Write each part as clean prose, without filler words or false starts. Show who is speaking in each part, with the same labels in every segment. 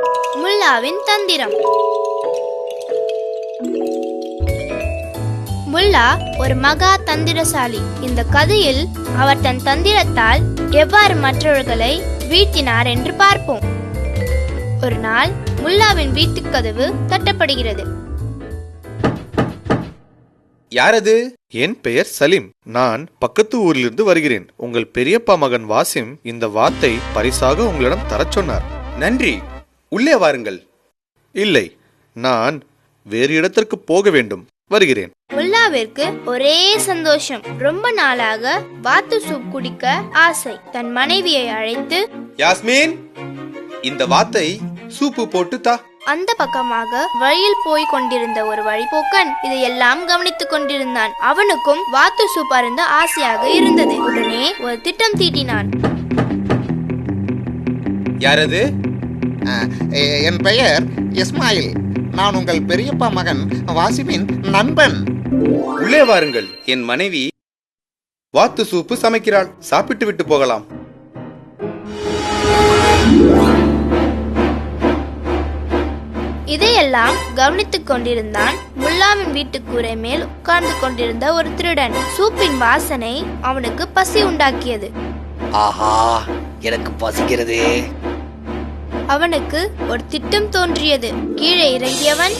Speaker 1: முல்லாவின் தந்திரம். முல்லா ஒரு மகா தந்திரசாலி. இந்த கதையில் அவர் தன் தந்திரத்தால் எவ்வாறு மற்றவர்களை வீழ்த்தினார் என்று பார்ப்போம். ஒரு நாள் முல்லாவின் வீட்டுக் கதவு தட்டப்படுகிறது.
Speaker 2: யாரது? என் பெயர் சலீம். நான் பக்கத்து ஊரிலிருந்து வருகிறேன். உங்கள் பெரியப்பா மகன் வாசிம் இந்த வாத்தை பரிசாக உங்களிடம் தரச் சொன்னார். நன்றி, உள்ளே வாருங்கள். இல்லை, நான் வேறு இடத்திற்கு போக வேண்டும், வருகிறேன்.
Speaker 1: முல்லாவிற்கு ஒரே சந்தோஷம். ரொம்ப நாளாக வாத்து சூப் குடிக்க ஆசை. தன் மனைவியை அழைத்து,
Speaker 2: யாஸ்மின், இந்த வாத்தை சூப்பு போட்டு தா.
Speaker 1: அந்த பக்கமாக வழியில் போய் கொண்டிருந்த ஒரு வழிபோக்கன் இதையெல்லாம் கவனித்துக் கொண்டிருந்தான். அவனுக்கும் வாத்து சூப் அருந்த ஆசையாக இருந்தது. உடனே ஒரு திட்டம் தீட்டினான்.
Speaker 2: யாரது?
Speaker 3: என் பெயர் இஸ்மாயில். நான் உங்கள் பெரியப்பா மகன் வாசிமின் நண்பன்.
Speaker 2: உள்ளே வாருங்கள். என் மனைவி வாத்து சூப்பு சமைக்கிறாள். சாப்பிட்டு விட்டு போகலாம்.
Speaker 1: இதையெல்லாம் கவனித்துக் கொண்டிருந்தான் முல்லாவின் வீட்டு கூரை மேல் உட்கார்ந்து கொண்டிருந்த ஒரு திருடன். சூப்பின் வாசனை அவனுக்கு பசி உண்டாக்கியது.
Speaker 4: ஆஹா, எனக்கு பசிக்கிறது.
Speaker 1: அவனுக்கு ஒரு திட்டம் தோன்றியது. கீழே இறங்கியவன்,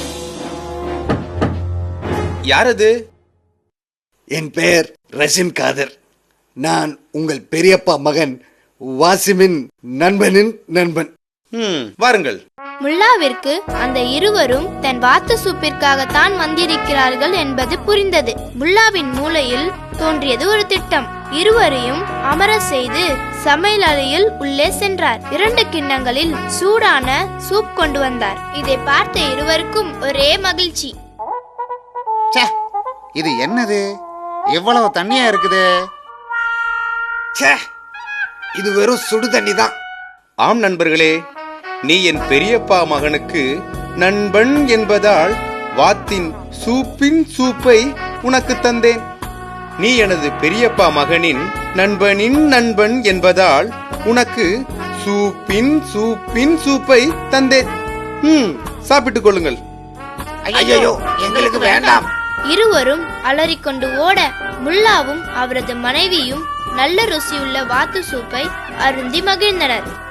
Speaker 2: யாரது?
Speaker 4: என் பெயர் ரஷின் காதர். நான் உங்கள் பெரியப்பா மகன் வாசிமின் நண்பனின் நண்பன்.
Speaker 2: வாருங்கள்.
Speaker 1: முல்லாவிற்கு அந்த இருவரும் தன் வாத்து சூப்பிற்காகத்தான் வந்திருக்கிறார்கள் என்பது புரிந்தது. முல்லாவின் மூளையில் தோன்றியது ஒரு திட்டம். இருவரையும் அமர செய்து சமையல் அறையில் உள்ளே சென்றார். 2 கிண்ணங்களில் சூடான சூப் கொண்டு வந்தார். இதை பார்த்த இருவருக்கும் ஒரே மகிழ்ச்சி.
Speaker 3: இது என்னது? எவ்வளவு தண்ணியா இருக்குது?
Speaker 4: இது வெறும் சுடு தண்ணி தான்.
Speaker 2: ஆம் நண்பர்களே, நீ என் பெரியப்பா மகனுக்கு நண்பன் என்பதால் வாத்தின் சூப்பின் சூப்பை உனக்கு தந்தேன். நீ எனது பெரியப்பா மகனின் நண்பனின் நண்பன் என்பதால் உனக்கு சூப்பின் சூப்பின் சூப்பை தந்தேன். சாப்பிட்டுக் கொள்ளுங்கள்.
Speaker 3: ஐயோ, எங்களுக்கு வேண்டாம்.
Speaker 1: இருவரும் அலறிக்கொண்டு ஓட முல்லாவும் அவரது மனைவியும் நல்ல ருசியுள்ள வாத்து சூப்பை அருந்தி மகிழ்ந்தனர்.